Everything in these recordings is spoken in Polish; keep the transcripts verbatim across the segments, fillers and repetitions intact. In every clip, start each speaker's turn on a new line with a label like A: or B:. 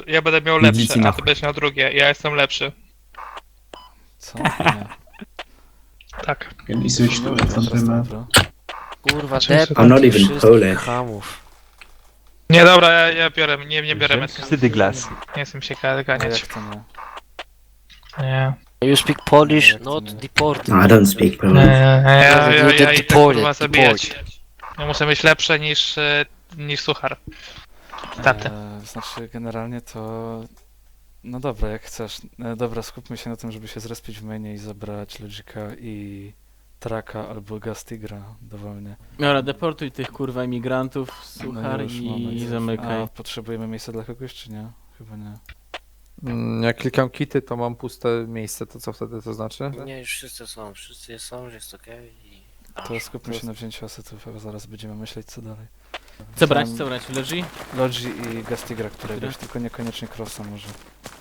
A: ja będę miał
B: Nic
A: lepsze,
B: nie
A: a ty będziesz miał drugie. Ja jestem lepszy.
C: Co? Nie.
A: Tak.
D: Can you switch to
C: Dobra,
D: front map?
C: dobra.
E: Kurwa,
A: Cześć,
E: dep
B: I'm not even
E: wszystkich
B: Polish.
E: chamów.
A: Nie, dobra, ja, ja biorę, nie, nie biorę metal.
F: Wtedy glas.
A: Nie chcę się
C: A
A: ganiać.
C: jak to nie?
A: Nie.
E: You speak Polish,
C: Jak to
E: not
C: nie?
E: deported.
B: No, I don't speak
A: Nie,
B: Polish.
A: nie, ja, ja, ja, ja idę
E: Deport,
A: kurwa
E: deport.
A: zabijać. Ja muszę mieć lepsze niż, e, niż suchar. Taty.
C: E, znaczy generalnie to... No dobra, jak chcesz. E, dobra, skupmy się na tym, żeby się zrespić w mainie i zabrać Logica i Traka albo Gastigra dowolnie.
G: Dobra, deportuj tych kurwa imigrantów,
C: No
G: suchar
C: już,
G: i
C: moment.
G: zamykaj.
C: A potrzebujemy miejsca dla kogoś, czy nie? Chyba nie.
F: Mm, Jak klikam kity, to mam puste miejsce, to co wtedy to znaczy?
E: Nie, już wszyscy są, wszyscy są, że jest okej i...
C: To skupmy się na wzięciu asetów, a zaraz będziemy myśleć co dalej.
G: Co brać,
C: Tam
G: co brać? Logi?
C: Logi i Gastigra któregoś,
G: Dobra.
C: tylko niekoniecznie Crossa może.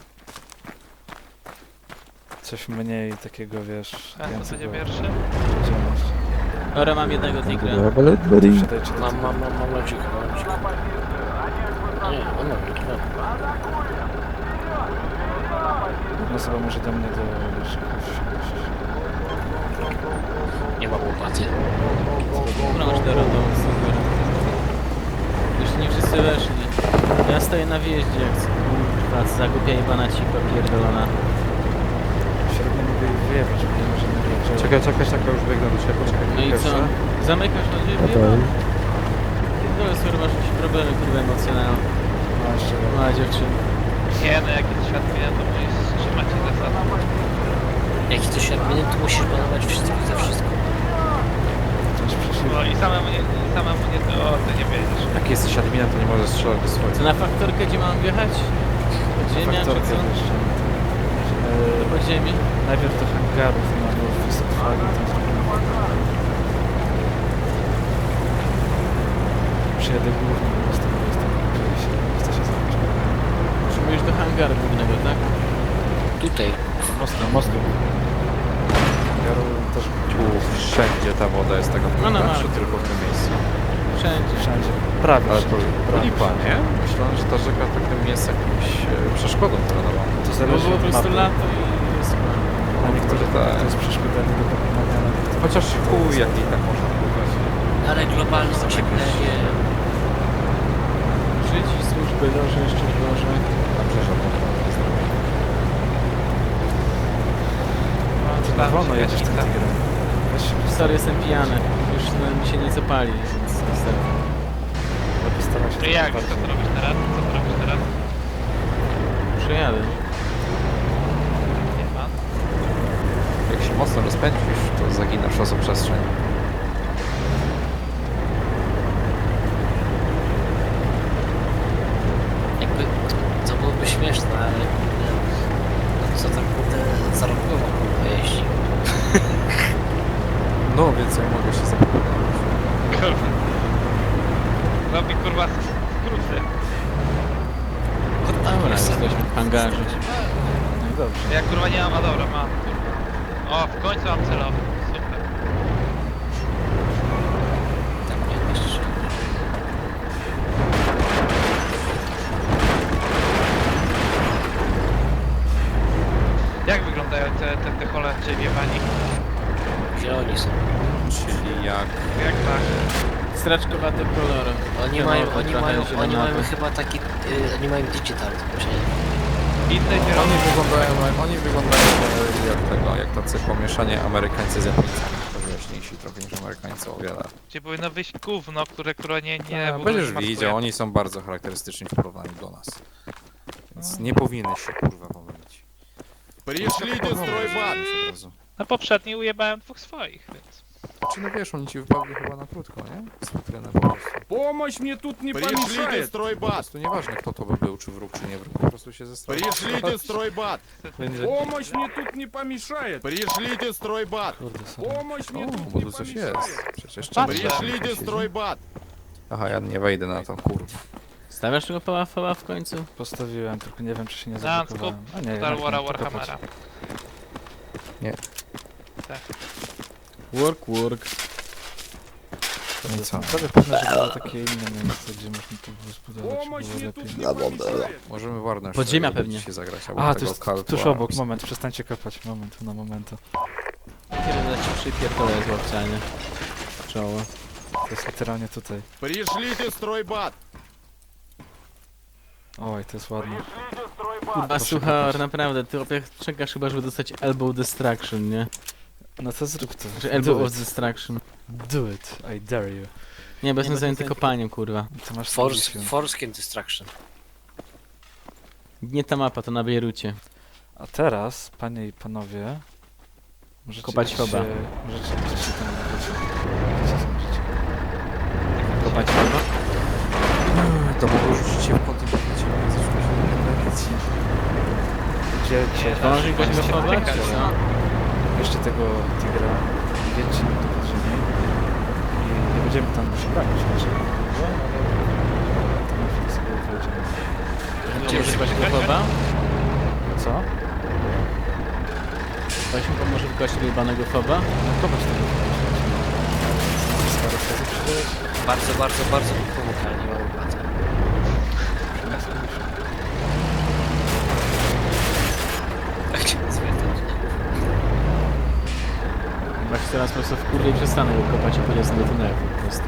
C: Coś mniej takiego, wiesz...
A: A to
C: więcej
A: będzie
C: go-
A: pierwszy?
C: działać.
G: Dobra, mam jednego tigra.
C: Siadajcie do
E: Mam,
C: tego.
E: mam, mam, mam logik, mam logik. Nie, on mam logik, mam.
C: Jedna osoba może do mnie do... wiesz, jakoś-
E: Nie mam łopaty.
G: Dobra, masz do rodu, super. Jeszcze nie wszyscy weszli. Ja stoję na wjeździe, jak co, kurwa, zagłupia jebana cipa pierdolona.
C: Średnio mogę ich wyjebać, bo nie może nie wiedzieć.
F: Czekaj, czekaj, czekaj, już biegnę do ciebie, poczekaj.
G: No i co?
F: jeszcze.
G: Zamykasz na ciebie? Pierdolę, sorry, masz jakieś problemy, kurwa, emocjonalne.
C: No jeszcze raz.
G: Mała dziewczyna.
A: Nie, no jak jest świat mnie, to musisz trzymać się zasad.
E: Jak to się adminem, to musisz banować wszystkich za wszystko.
C: Coś przeszło.
A: No i samemu nie, i samemu nie, to o, ty nie wiedziesz.
F: Jak jesteś adminem, to nie możesz strzelać do
G: Co,
F: swoich.
G: na faktorkę, gdzie mam wjechać? Podziemia, czy
C: Faktorkę
G: co?
C: jeszcze.
G: Do
C: Eee,
G: podziemi?
C: najpierw do hangarów mamy wszystko flagi, to zrobimy. Przyjadę głównie, bo z tego jestem, jeżeli się chce się zacząć.
G: Potrzebujesz do hangaru głównego, tak?
E: Tutaj.
C: Mostem, mostem. Hangaru też
F: Tu wszędzie ta woda jest taka
G: No, no,
F: brudna,
G: no.
F: czy tylko w tym miejscu.
G: Wszędzie.
C: wszędzie. Prawie
F: Ale to
C: wszędzie.
F: to lipa, nie? Myślałem, że ta rzeka takim jest jakąś e, przeszkodą terenowaną.
C: To
G: Bo
C: zależy
G: było po
C: od
G: prostu
C: mapy.
G: lato i jest chyba.
C: Na niektórych
F: tak.
C: to jest przeszkoda nie do pokonania. na niektórych-
F: Chociaż chuj, jak i tak można pływać.
E: Ale globalne ocieplenie...
G: Żyć i służby, Boże, jeszcze Boże.
F: Dobrze, że można to zrobić.
C: Ty na wolno jedziesz tym tigrem. Weź się
G: Sorry, jestem pijany. Już no, mi się nieco pali, więc niestety.
C: postaraj się.
A: No jak, co ty robisz teraz? Co ty robisz teraz?
G: Przejadę.
A: Nie ma.
F: Jak się mocno rozpędzisz, to zaginasz czasoprzestrzeń.
E: Jakby... To byłoby śmieszne, ale... No, co tak kurde zarobkowo kurwa jeździ.
F: No, więc ja mogę się zapytać.
A: Kurwa. Robi kurwa skróty.
G: Dobra, jesteśmy w hangarze.
C: No i dobrze.
A: Ja kurwa nie mam, a dobra, mam. O, w końcu mam celowy. Super.
E: Tak nie jeszcze.
A: Jak wyglądają te, te, te Holendrzy wiewani?
E: Gdzie oni są?
F: Czyli jak...
A: Jak tak?
G: Straczkowate kolory.
E: Oni
G: Ten
E: mają,
G: okno
E: oni
G: trochę
E: mają,
G: się
E: oni
G: na
E: mają
G: to.
E: chyba taki... Y, oni mają digital, czy nie?
A: Inne
F: Oni
A: zielone.
F: wyglądają, oni wyglądają e, jak tego, jak tacy pomieszanie Amerykańcy z Japońcami. To wyjaśniejsi trochę niż Amerykańcy o wiele.
A: Gdzie powinno wyjść gówno, które kurwa nie, nie...
F: A,
A: w ogóle
F: będziesz
A: smakuje.
F: widział, oni są bardzo charakterystyczni w porównaniu do nas. Więc nie powinny się kurwa pomylić.
H: Пришлите стройбат!
F: Od razu.
A: Na poprzedniej ujebałem dwóch swoich, więc...
F: Czy no wiesz, oni ci wypadli chyba na krótko, nie? Z futryny po prostu.
H: Помощь мне тут не Пришлите
F: Po
H: стройбат!
F: prostu nieważne kto to by był, czy wróg, czy nie wróg, po prostu się zestraszył.
H: Пришлите стройбат!
C: Będzie...
H: Помощь мне тут не помешает! Пришлите стройбат!
C: Kurde, sorry.
H: Помощь мне
F: O,
H: тут
F: bo
H: не
F: tu coś
H: помешает!
F: jest. Przecież
A: Patrzę.
F: czemu
H: Пришлите стройбат!
F: Aha, ja nie wejdę na to, kurwa.
G: Stawiasz tego pałafała w końcu?
C: Postawiłem, tylko nie wiem czy się nie
A: Znam,
C: zablokowałem. A nie,
A: Star
C: jednak
A: Wara
C: nie, tylko
A: Warhammera.
C: patrz.
G: Work, work.
F: No i co?
C: Prawie pewne, że było takie inne miejsce, gdzie można to było zbudować,
H: Помощь
C: żeby
H: мне
C: było
H: тут
C: lepiej.
H: не помешает.
F: Możemy Warner
G: Podziemia
F: sobie
G: pewnie.
F: się zagrać, albo
C: A, to
F: tego
C: jest
F: Call to
C: tuż obok,
F: Arms.
C: moment, przestańcie kopać, moment, na momentu.
G: Kiedy ci przypierdolę z łapcianie. Czoło.
C: To jest literalnie tutaj.
H: Пришлите стройбат.
C: Oj, to jest ładne.
G: Kurwa, suchar, naprawdę, ty opiek czekasz chyba, żeby dostać elbow destruction, nie?
C: No to zrób to.
G: Że elbow
C: Do
G: of
C: it.
G: destruction.
C: Do it, I dare you.
G: Nie, bo jestem zajęty kopaniem, kurwa.
C: To masz
E: Force,
C: solution.
E: Foreskin Destruction.
G: Nie ta mapa, to na Bejrucie.
C: A teraz, panie i panowie, możecie
G: Kopać
C: iść
G: foba.
C: się, możecie iść się tam możecie, możecie.
G: Kopać chyba?
F: To mogło rzucić się w kąt i powiedzieć, że zaczęło się nawigacji.
C: Gdzie, gdzie,
G: Pomoże goś go chować, czy co?
C: jeszcze tego tigra, wiedźcie nam to podziemie i nie będziemy tam się bronić raczej. To na chwilę sobie wejdziemy.
G: Pomoże goś go chowa?
C: Co?
G: Weź mi pomoże w gości wyjebanego foba?
C: No kopać tego parę razy przecież.
E: Bardzo, bardzo, bardzo mi pomógł, ale nie mam opłaty. Jak cię zwiertać?
G: Chyba się teraz po prostu w kurwie przestanę go kopać i polecę do tunelu po prostu.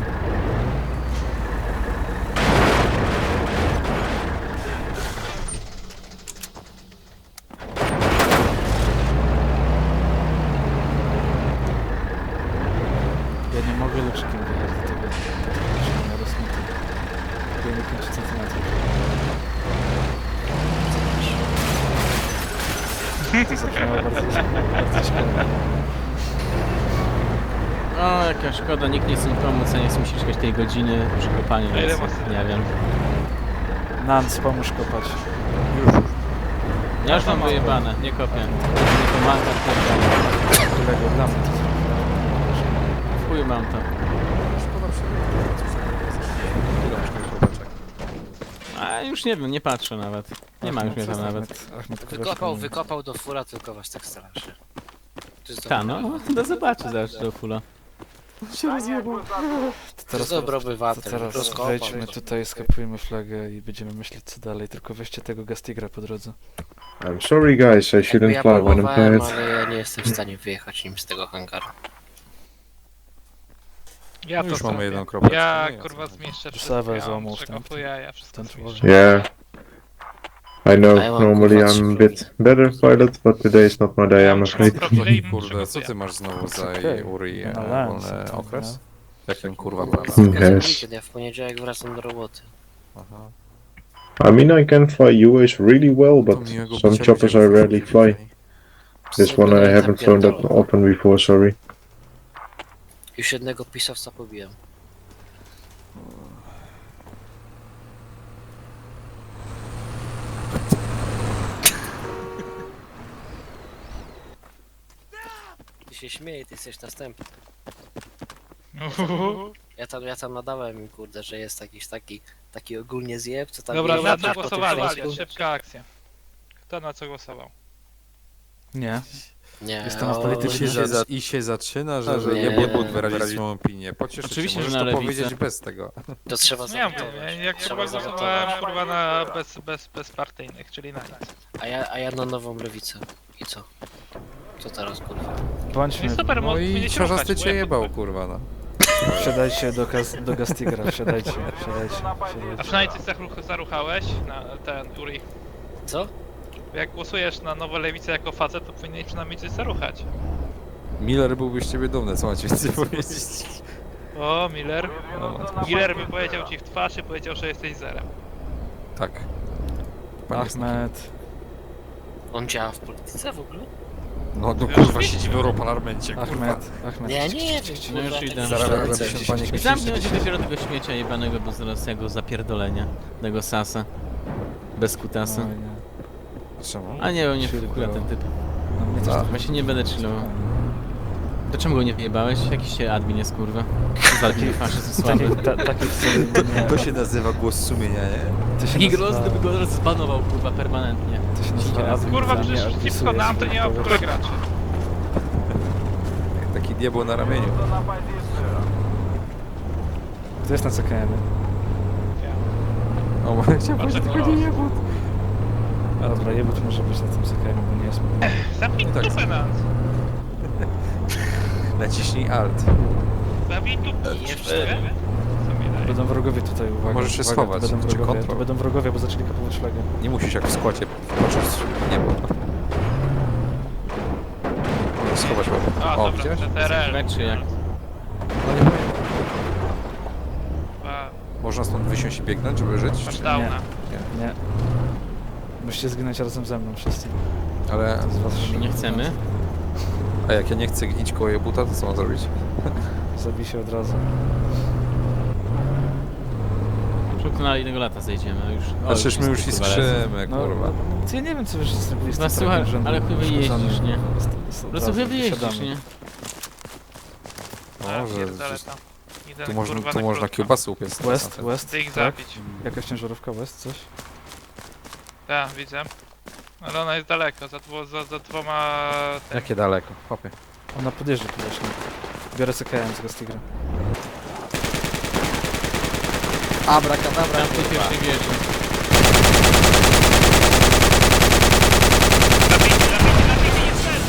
C: Ja nie mogę luczykiem wyjechać do tego, do tego poziomia rozmyty. Bo nie pięć centymetrów. To zabrzmiało bardzo, bardzo ciekawe.
G: O, jaka szkoda, nikt nie chce mi pomóc, a nie chce mi się czekać tej godziny przy kopaniu,
A: A ile
G: więc
A: masz?
G: nie wiem.
C: Nans, pomóż kopać.
G: Ja już mam wyjebane, nie kopię. Nie pomaga, pierdolę.
C: Którego dla mnie to zrobił.
G: W chuju mam to.
F: Szkoda
G: A już nie wiem, nie patrzę nawet. Nie ma już mnie tam nawet.
C: Ahmed, Ahmed
E: Wykopał,
C: Kuleszko.
E: wykopał do fura, tylko was tak straszy. To jest
G: Ta,
E: dobry
G: no,
E: obywatel.
G: to zobaczy zaraz do fula.
C: To
E: To jest dobry
C: to
E: obywatel.
C: teraz
E: rozkopał.
C: wejdźmy tutaj, skapujmy flagę i będziemy myśleć co dalej, tylko weźcie tego Gastigra po drodze.
B: I'm sorry guys, I
E: Jakby
B: shouldn't
E: ja
B: fly when I'm
E: próbowałem,
B: tired.
E: ale ja nie jestem w stanie wyjechać nim z tego hangaru.
A: Ja to
F: Już mamy
A: zrobię.
F: jedną kropkę.
A: Ja
F: Nie,
A: kurwa
F: co?
A: zmieszczę
C: Sawę
A: wszystko, ja
C: złamał
A: mam
C: w tamtym.
A: przekopuję, ja wszystko
C: Ten
A: zmieszczę.
C: człowiek.
B: Yeah. I know,
E: I want
B: normally
E: to
B: I'm a bit better pilot, but today is not my day, I'm afraid.
F: Kurde, co ty masz znowu za
C: Okej.
F: Uri e,
C: Na lens,
F: wolny
C: to,
F: okres?
C: no.
F: Jakim kurwa prawem?
B: Hmm.
E: Każdy
B: Yes.
E: weekend, ja w poniedziałek wracam do roboty.
F: Aha.
B: I mean, I can fly U A S really well,
F: To
B: but
F: miłego
B: some
F: bycia
B: choppers I
F: ludziom
B: rarely fly. This one I haven't flown that often before, sorry.
E: Już jednego pisowca pobiłem. Ty się śmieje, ty jesteś następny.
A: Uhuhu.
E: Ja tam, ja tam nadałem im, kurde, że jest jakiś taki, taki ogólnie zjeb, co tam
A: Dobra,
E: jeździ
A: na
E: po
A: co
E: tym
A: głosowali?
E: Śląsku.
A: Szybka akcja. Kto na co głosował?
C: Nie.
E: Nie,
C: Jestem
E: o,
C: apolityczny.
F: I się, za, I się zaczyna, że, że
E: Nie.
F: nie mógł wyrazić swoją opinię. Pocieszyć
G: Oczywiście,
F: się, możesz
G: że na
F: to
G: lewicę.
F: powiedzieć bez tego.
E: To trzeba
A: No ja mówię,
E: zawotować.
A: jak
E: Trzeba
A: kurwa głosowałem
E: zawotować.
A: kurwa na bez, bez, bezpartyjnych, czyli na nic.
E: A ja, a ja na nową lewicę. I co? Co teraz, kurwa?
C: Bądźmy,
A: No i super,
F: No
A: mo-
F: i
A: powinniście
F: czarzasty
A: ruchać,
F: cię
A: bo ja-
F: jebał, kurwa, no.
C: wsiadajcie do, Gas- do Gastigra, wsiadajcie, wsiadajcie,
A: A
C: wsiadajcie.
A: przynajmniej coś zaruch- zaruchałeś na ten Uri.
E: Co?
A: Jak głosujesz na nową lewicę jako facet, to powinieneś przynajmniej coś zaruchać.
F: Miller byłby z ciebie dumny, co macie więcej powiedzieć.
A: O, Miller.
F: No, matko.
A: Miller mi powiedział ci w twarz i powiedział, że jesteś zerem.
F: Tak. Pan jest taki-
C: Ahmed,
E: On działa w polityce w ogóle?
F: No, no kurwa, siedzi w Europarlamencie, kurwa.
C: Ahmed, Ahmed.
E: Nie, nie wiem,
G: No już
E: kurwa,
G: idę.
E: tak
F: Zaraz
E: myślę,
F: będę
E: że-
F: się panie
G: I zamknąć dopiero tego śmiecia jebanego, bo zaraz ja go zapierdolenia. Tego sasa. Bez kutasa.
C: Oj, nie.
F: Czemu?
G: A nie, nie
C: Chill,
G: wkurza
C: bro.
G: ten typ.
C: No mnie też
F: A.
C: tak
G: Właśnie nie będę chillował. To czemu go nie wyjebałeś? Jakiś się admin jest, kurwa. Walki faszyzm słaby.
C: Taki, ta, taki wcale nie...
F: To się nazywa głos sumienia, nie?
C: To się
G: Taki
C: nazywa-
G: groz, gdyby go zbanował, kurwa, permanentnie.
C: To się nazywa
G: Kurwa,
C: admin,
A: Kurwa,
C: za mnie
A: przecież
C: odpisuje
A: przeciwko nam to
C: sobie
A: nie ma w ogóle
C: kogoś.
A: graczy.
F: Jak taki diabeł na ramieniu.
C: To jest na C K M.
F: O, bo chciałem
A: Bardzo
F: powiedzieć, tylko nie jebut.
C: A dobra, jebut może być na tym C K M, bo nie jest mój.
A: Zabij
F: tak.
A: dupę nas!
F: Naciśnij alt.
A: Zabij dupę!
E: Jeszcze.
A: Co mi daje?
C: Będą wrogowie tutaj, uwaga.
F: Możesz się
C: uwaga,
F: schować,
C: to będą
F: czy
C: wrogowie,
F: kontrol.
C: to będą wrogowie, bo zaczęli kapować flagę.
F: Nie musisz jak w składzie patrzeć w niebo. Schować łeb.
A: A,
F: O,
A: dobra,
F: widziałeś?
A: T T R L.
G: Leczy jak.
F: No nie powiem.
A: Dwa,
F: Można stąd wysiąść i biegnąć, żeby żyć?
A: Masz
F: Czy-
A: downa.
C: Nie. Musicie zginąć razem ze mną wszyscy.
F: Ale...
C: Z was
G: Nie chcemy.
F: A jak ja nie chcę iść koło jebuta, to co mam zrobić?
C: Zabij się od razu.
G: Szybko na innego lata zejdziemy, a już... o,
F: A przecież my już
G: wszyscy,
F: i
G: kurwa, lecą.
F: skrzymy,
C: No,
F: kurwa.
C: no, ja nie wiem co wy wszyscy zrobiliście.
G: No
C: z tym
G: słuchaj,
C: trackiem rzędu
G: ale chuj
C: uszkodzonym.
G: jeździsz, nie?
C: Jest- jest od
G: Po prostu
C: razu,
G: chyba jeździsz,
C: wysiadamy.
G: nie?
A: A,
F: Może
A: pierdolę
F: gdzieś-
A: tam. Idę,
F: Tu można,
A: kurwa,
F: tu
A: na
F: można
A: krótko.
F: kiełbasy upiec.
C: West,
F: Tak.
C: West,
A: Chcę ich
C: tak?
A: zabić.
C: Jakaś ciężarówka West, coś?
A: Tak, widzę. Ale ona jest daleko, za, dwo, za, za dwoma...
F: Jakie daleko, chłopie.
C: Ona podjeżdża tu właśnie. Biorę C K M z Gastigra.
E: Abrakadabra,
G: Tam w tej
E: kurwa.
G: pierwszej wieży.
A: Zabij, zabij, zabij, jest ten!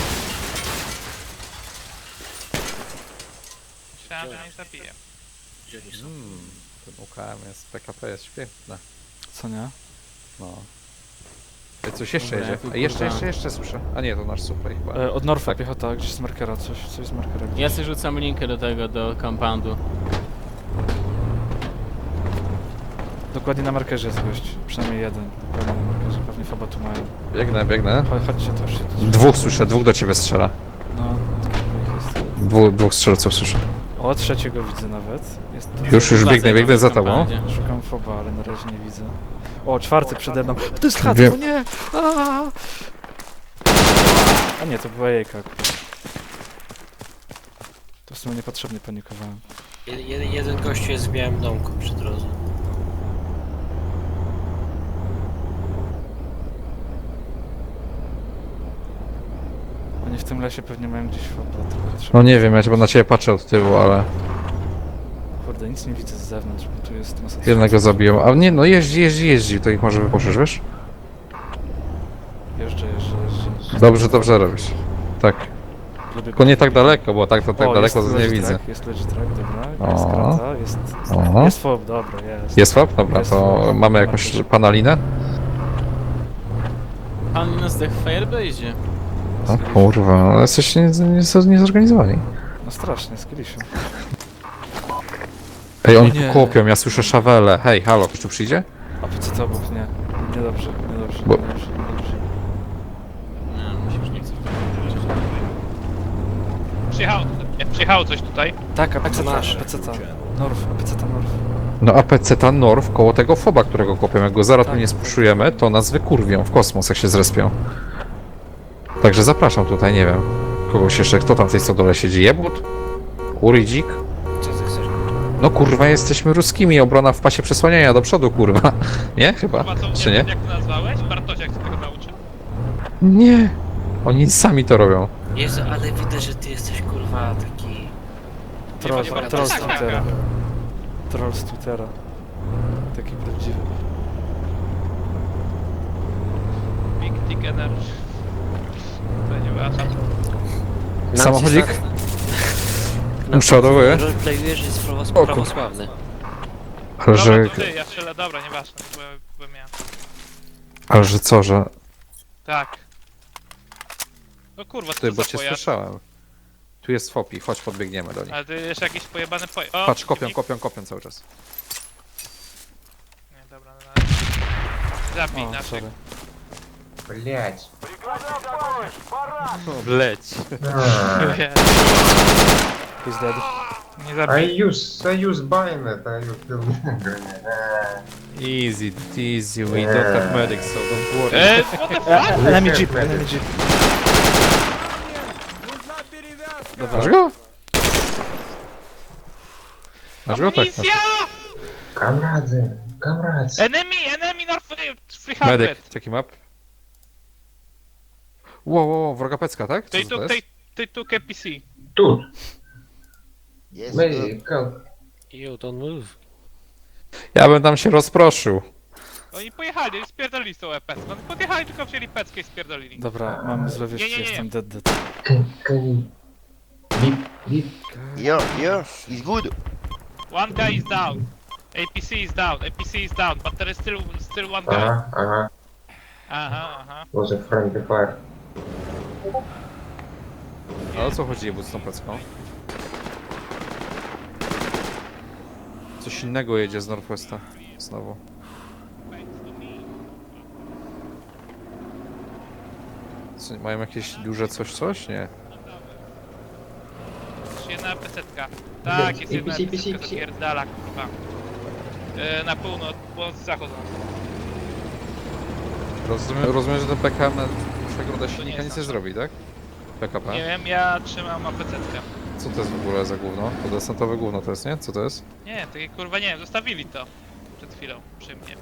A: Myślałem, że nie zabiję.
E: Gdzie oni są?
F: Mm, ten U K M jest, P K P jest świetne.
C: Co nie?
F: No. Ej, coś jeszcze
G: Dobra,
F: jedzie.
G: ja tu
F: Ej, jeszcze,
G: kurwa-
F: jeszcze, jeszcze słyszę. A nie, to nasz super chyba.
C: E, od Norfa
F: Tak.
C: piechota, gdzieś z markera, coś, coś z markera. Gdzieś.
G: Ja sobie rzucam linkę do tego, do compoundu.
C: Dokładnie na markerze jest gość, przynajmniej jeden. Dokładnie na markerze, pewnie Foba tu mają.
F: Biegnę, biegnę.
C: Chodź, chodźcie, to już się tu...
F: Dwóch słyszę, dwóch do ciebie strzela.
C: No, kilku ich jest.
F: Dwóch, dwóch strzelców słyszę.
C: O, trzeciego widzę nawet. Jest
F: Już, już biegnę,
G: Wracaj,
F: biegnę za
G: w
F: tobą.
G: compoundzie.
C: Szukam Foba, ale na razie nie widzę. O, czwarty przede mną. To jest chat,
F: Wiem.
C: o nie! Aaaa! A nie, to była jejka. To w sumie niepotrzebnie panikowałem.
E: Jed, jeden, jeden gościu jest w białym domku przy drodze.
C: Oni w tym lesie pewnie mają gdzieś Foba, tylko trzeba...
F: No nie wiem, ja chyba na ciebie patrzę od tyłu, ale
C: Kurde, nic nie widzę z zewnątrz, bo tu jest masa...
F: jednego zabiłem. A nie, no jeździ, jeździ, jeździ, to ich może wypuszczysz, wiesz?
C: Jeżdżę, jeżdżę, jeżdżę.
F: Dobrze, dobrze robisz. Tak.
C: Lubię
F: Tylko nie tak daleko, bo tak to tak
C: O,
F: daleko
C: jest
F: to nie
C: legit
F: widzę.
C: track, jest legit track, dobra, jest
F: O.
C: krata, jest...
F: O.
C: Jest Fob, dobra, jest.
F: Jest łap? Dobra,
C: Jest
F: to
C: łap.
F: mamy jakąś panalinę?
G: Pan nas zdech w Firebase'ie.
F: O kurwa, ale jesteście nie, nie, niezorganizowani.
C: No strasznie, z Kilisiu.
F: Ej, oni
C: Nie.
F: tu kopią, ja słyszę szawele. Hej, halo, ktoś tu przyjdzie?
C: A po co to obok? Nie. Niedobrze, niedobrze,
F: Bo-
C: niedobrze, niedobrze.
G: Nie, mi się już nie chce w to wierzyć.
A: Przyjechało, nie, przyjechało coś tutaj.
C: Tak, a P C T,
E: Nasze.
C: P C T. Norf, P C T Norf.
F: No A P C ta Norw koło tego foba, którego kopią. Jak go zaraz tu
C: Tak.
F: nie spuszujemy, to nas wykurwią w kosmos, jak się zrespią. Także zapraszam tutaj, nie wiem. Kogoś jeszcze, kto tam w tej stodole siedzi? Jebut? Urydzik?
E: Co ty chcesz?
F: No kurwa, jesteśmy ruskimi, obrona w pasie przesłaniania do przodu, kurwa. Nie? Chyba?
A: Chyba co,
F: Czy
A: nie
F: nie?
A: wiem jak to nazwałeś? Bartosiak się tego nauczył.
F: Nie. Oni sami to robią.
E: Jezu, ale widać, że ty jesteś kurwa taki...
C: Troll,
A: nie ma-
C: troll z
A: tak, tak,
C: Twittera.
A: tak.
C: Troll z Twittera. Taki prawdziwy.
A: Big Dick Energy. To nie ważne.
F: Samochodzik?
E: Na
F: Przodowy?
E: roleplayujesz, że jest prawo,
F: kur-
E: prawosławny.
F: Ale że...
A: Dobra, to ty, ja strzelę, dobra, nieważne, bo, bo miałem.
F: Ale że co, że...
A: Tak. No kurwa, co
F: Ty,
A: to
F: bo
A: za
F: cię
A: pojazd?
F: słyszałem. Tu jest fopi, chodź podbiegniemy do nich.
A: Ale ty jeszcze jakiś pojebany pojazd. O,
F: Patrz, kopią,
A: przeciwnik.
F: kopią, kopią cały czas.
A: Nie, dobra, no, no. Zabij
C: O,
A: naszych.
C: sorry.
D: Блять.
F: Leć.
A: Nie,
C: He's dead.
A: nie
D: I
A: zabij.
D: use I use bayonet, I use grenade.
F: Easy, easy, we don't have medics, so don't worry.
A: Eee, what the fuck?
C: Enemy jeep, enemy jeep. Dobra,
F: Masz go? Masz go? Tak.
A: Amunicja!
D: Камрады, камрады.
A: Enemy, enemy North trzysta.
F: Medic, check him up. Wow, wow, wow, wroga pecka, tak? Co
A: Tej
F: to
A: tu,
F: jest?
A: tej, tej tu K P C.
D: Тут. Мы, как,
E: You don't move.
F: Ja bym tam się rozproszył.
A: Oni pojechali, oni spierdolili z tą epecką. Oni podjechali, tylko wzięli peckę i spierdolili.
C: Dobra, mam złe
A: Nie,
C: wieści,
A: nie, nie.
C: jestem dead dead.
D: Can, can... Beep, beep.
I: Yeah, yeah, it's good.
A: One guy is down. A P C is down, A P C is down, but there is still still one guy.
D: Ага, ага.
A: Aha, aha.
D: Was a friendly fire.
F: A o co chodzi jebut z tą plecką? Coś innego jedzie z Northwesta. Znowu. Co, mają jakieś duże coś coś? Nie.
A: Jest jedna pesetka. Tak, jest jedna
D: A P C,
A: pesetka,
D: A P C.
A: zapierdala, kurwa. E, na północ, północ zachodzą.
F: Rozumiem, rozumiem, że ten P K M na przegląda silnika nic nie zrobi, tak? P K P.
A: Nie wiem, ja trzymam apecetkę.
F: Co to jest w ogóle za gówno? To desantowe gówno to jest, nie? Co to jest?
A: Nie, takie kurwa nie wiem, zostawili to. Przed chwilą, przy mnie.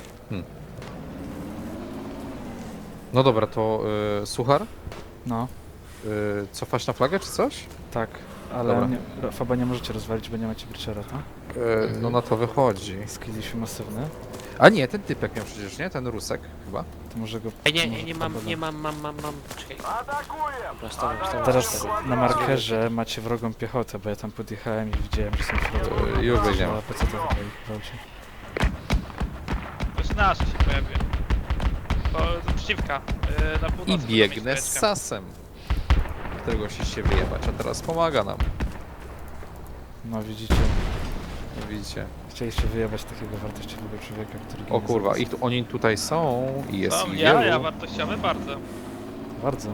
F: No dobra, to y, Suchar?
C: No,
F: Y, cofasz na flagę czy coś?
C: tak, ale
F: Dobra.
C: nie, Faba nie możecie rozwalić, bo nie macie Breachera, tak?
F: Y, no na to wychodzi.
C: Skilliliśmy masywny,
F: A nie, ten typek miał przecież, nie? Ten Rusek chyba.
C: to może go...
E: Ej, nie,
C: może
E: nie, nie
C: Faba
E: mam,
C: da.
E: nie mam, mam, mam, mam. Czekaj. Dobra, stałem, stałem,
C: Teraz
E: stałem.
C: na markerze macie wrogą piechotę, bo ja tam podjechałem i widziałem, że są w środku.
F: Y, już wejdziemy.
C: A P C to chyba ich gwałci.
A: To jest nasze się pojawił. To z przeciwka. E, na północy
F: I
A: będą
F: biegnę
A: mieć
F: z
A: beczkę.
F: Sasem. Którego chcieliście wyjebać, a teraz pomaga nam.
C: No widzicie,
F: No widzicie.
C: chcieliście wyjebać takiego wartościowego człowieka, który...
F: O
C: ginie
F: kurwa,
C: za
F: ich tu, oni tutaj są i jest
A: Są
F: ich
A: ja, ja
F: wielu.
A: wartościowy bardzo.
C: Bardzo,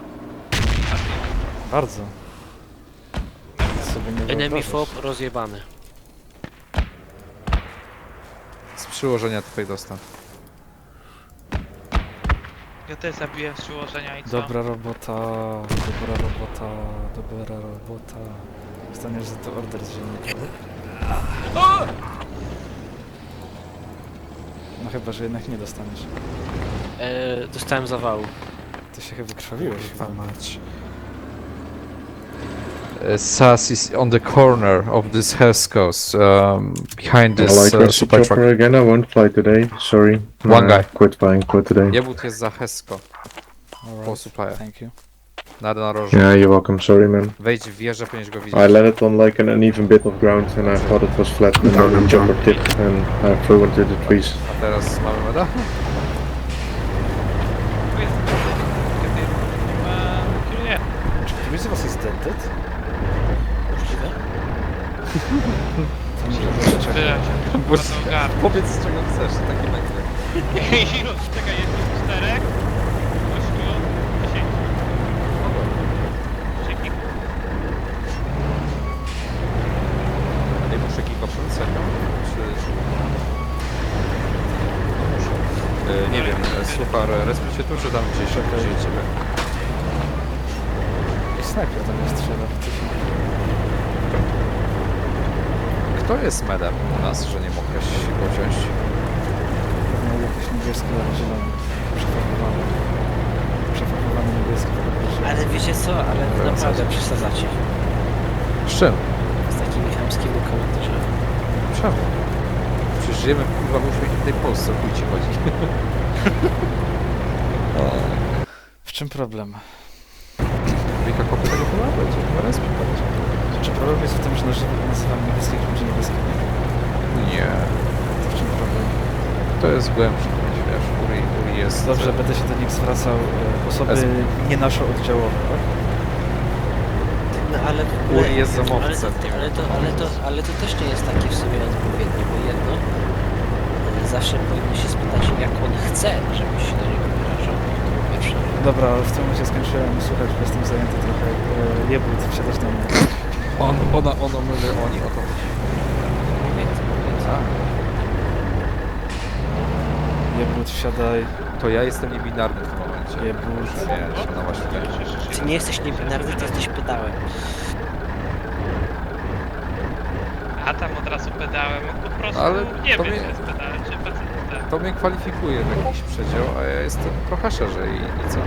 C: bardzo. Sobie nie
E: Enemy
C: wyobrażasz.
E: fob rozjebany.
F: Z przyłożenia tutaj dostał.
A: Ja też zabiłem z przyłożenia i co?
C: Dobra robota, dobra robota, dobra robota. Dostaniesz za to order z ziemi. No chyba, że jednak nie dostaniesz.
E: E, dostałem zawału.
C: Ty się chyba krwawiłeś.
F: Kurwa mać. Uh, Sas is on the corner of this Heskos, um, behind
B: I
F: this
B: like
F: uh,
B: Rusty
F: supply truck.
B: Chopper again. I won't fly today. Sorry.
F: One
B: Nah,
F: guy.
B: Quit flying. Quit today.
F: Jebut jest za Hesko, po
C: Alright,
F: supplier.
C: thank you.
F: Na narożu.
B: Yeah, you're welcome. Sorry, man.
F: Wejdź w wieżę, powinieneś go widzieć.
B: I landed on like an uneven bit of ground and I thought it was flat and then the chopper tipped and I flew into the trees.
F: A teraz mamy meda?
A: Tu jest kiedy eee, kieruję.
C: Czy któryś z was jest dented?
E: Możliwe?
C: To nie wiem, czekaj.
A: Tyle się
F: Bo-
A: to ogarnę.
F: Powiedz z czego chcesz, taki nagle.
A: Ilu? Czekaj, jest tu czterech, ośmiu, dziesięciu. Dzięki.
F: Ej, muszę kilka serio? Czy... Yy, nie wiem, Suchar, respicie tu czy tam gdzieś?
C: Czekaj.
F: Gdzie ciebie?
C: I snajper tam jest strzela.
F: Kto jest medem u nas, że nie mogłeś go wziąć?
C: Miał jakieś niebieskie albo zielone. Przefarbowane. Przefarbowane niebieskie.
E: Ale wiecie co, ale
F: Dobra,
E: naprawdę
F: co?
E: przesadzacie.
F: Z czym?
E: Z takimi chamskimi komentarzami.
F: Czemu? Przecież żyjemy kurwa w uśmiechniętej Polsce, o chuj ci chodzi.
C: W czym problem?
F: Wika kopy tego chyba będzie, chyba respi będzie.
C: Czy problem jest w tym, że nazy- nazywam niebieskich ludzi niebieskimi?
F: Nie,
C: To w czym problem?
F: to jest głębsze, wiesz, Uri, Uri jest...
C: Dobrze, będę się do nich zwracał. e, Osoby
F: Es-
C: nie nasze oddziałowe, tak?
E: No ale w ogóle,
F: Uri jest
E: ale,
F: zamowcem.
E: to, ale, to, ale, to, ale to też nie jest takie w sumie odpowiednie, bo jedno, e, zawsze powinno się spytać, jak on chce, żebyś się do niego wyrażał. To po pierwsze.
C: Dobra, w tym momencie skończyłem słuchać, bo jestem zajęty trochę. E, Jebut, wsiadasz do mnie.
F: On, ona, ona, my, oni, o to chodzi.
E: Więc, więc,
F: Tak.
C: Jebut, wsiadaj.
F: To ja jestem niebinarny w tym momencie.
C: Jebut.
F: Wiesz, no właśnie tak.
E: Ty nie jesteś niebinarny, ty jesteś pedałem.
A: A tam od razu pedałem, on po prostu
F: Ale
A: nie
F: to
A: wie,
F: mnie-
A: czy jest pedałem, czy facetem.
F: To mnie kwalifikuje w jakiś przedział, a ja jestem trochę szerzej i co?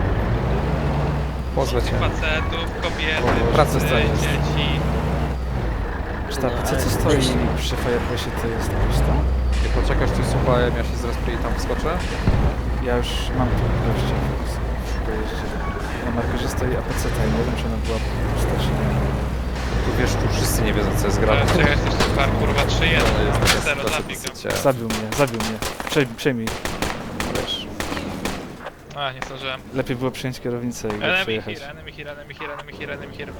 F: Pozwę cię.
A: Facetów, kobiety,
F: O, pracę
A: psy,
F: scenię.
A: dzieci.
C: Sztab,
E: No,
C: co
E: ale
C: co stoi
E: też-
C: przy Fireplace'ie, to jest jakoś tam?
F: Nie poczekasz tu z upałem, ja się zrespię i tam wskoczę?
C: Ja już mam tu gościa w pojeździe. Na markerze stoi A P C T i nie wiem, czy ona była pusta, czy nie.
F: Tu wiesz, tu wszyscy nie wiedzą, co jest
A: Ale
F: grane.
A: czekaj, jesteś super, kurwa, trzy jeden.
F: To jest taka
A: zero,
F: sytuacja
A: zabij go.
F: dosyć, e,
C: Zabił mnie, zabił mnie. Przej, przejmij. Wiesz,
A: A, nie zdążyłem.
C: lepiej było przyjąć kierownicę i go
A: Enemy
C: przejechać.
A: here, enemy here, enemy here, enemy here, enemy here.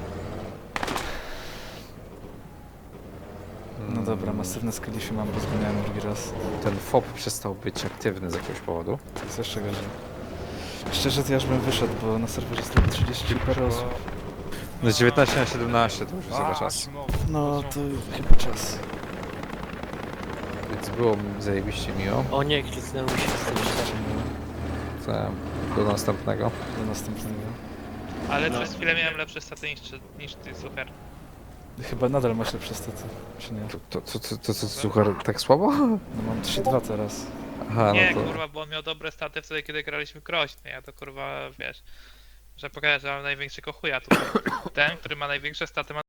C: No dobra, masywne skillify mam, bo zginąłem drugi raz.
F: Ten F O P przestał być aktywny z jakiegoś powodu.
C: To jest jeszcze gorzej. Szczerze to ja już bym wyszedł, bo na serwerze stoi trzydzieści parę osób.
F: No z dziewiętnaście na siedemnaście to już jest chyba czas.
C: No to chyba czas.
F: Więc było mi zajebiście miło.
E: O nie, kliknęło mi się z tym źle.
F: Te- Do następnego.
C: Do następnego.
A: Ale
E: No.
A: przez chwilę miałem lepsze staty niż, niż ty, super.
C: Chyba nadal masz lepsze staty, czy nie?
F: To, to, to, to, to, to suchar tak słabo?
C: No mam trzy dwa teraz.
F: Aha,
A: Nie,
F: no to...
A: kurwa, bo on miał dobre staty wtedy, kiedy graliśmy groźny. Ja to kurwa, wiesz, że pokażę, że mam największego chuja tutaj. Ten, który ma największe staty, ma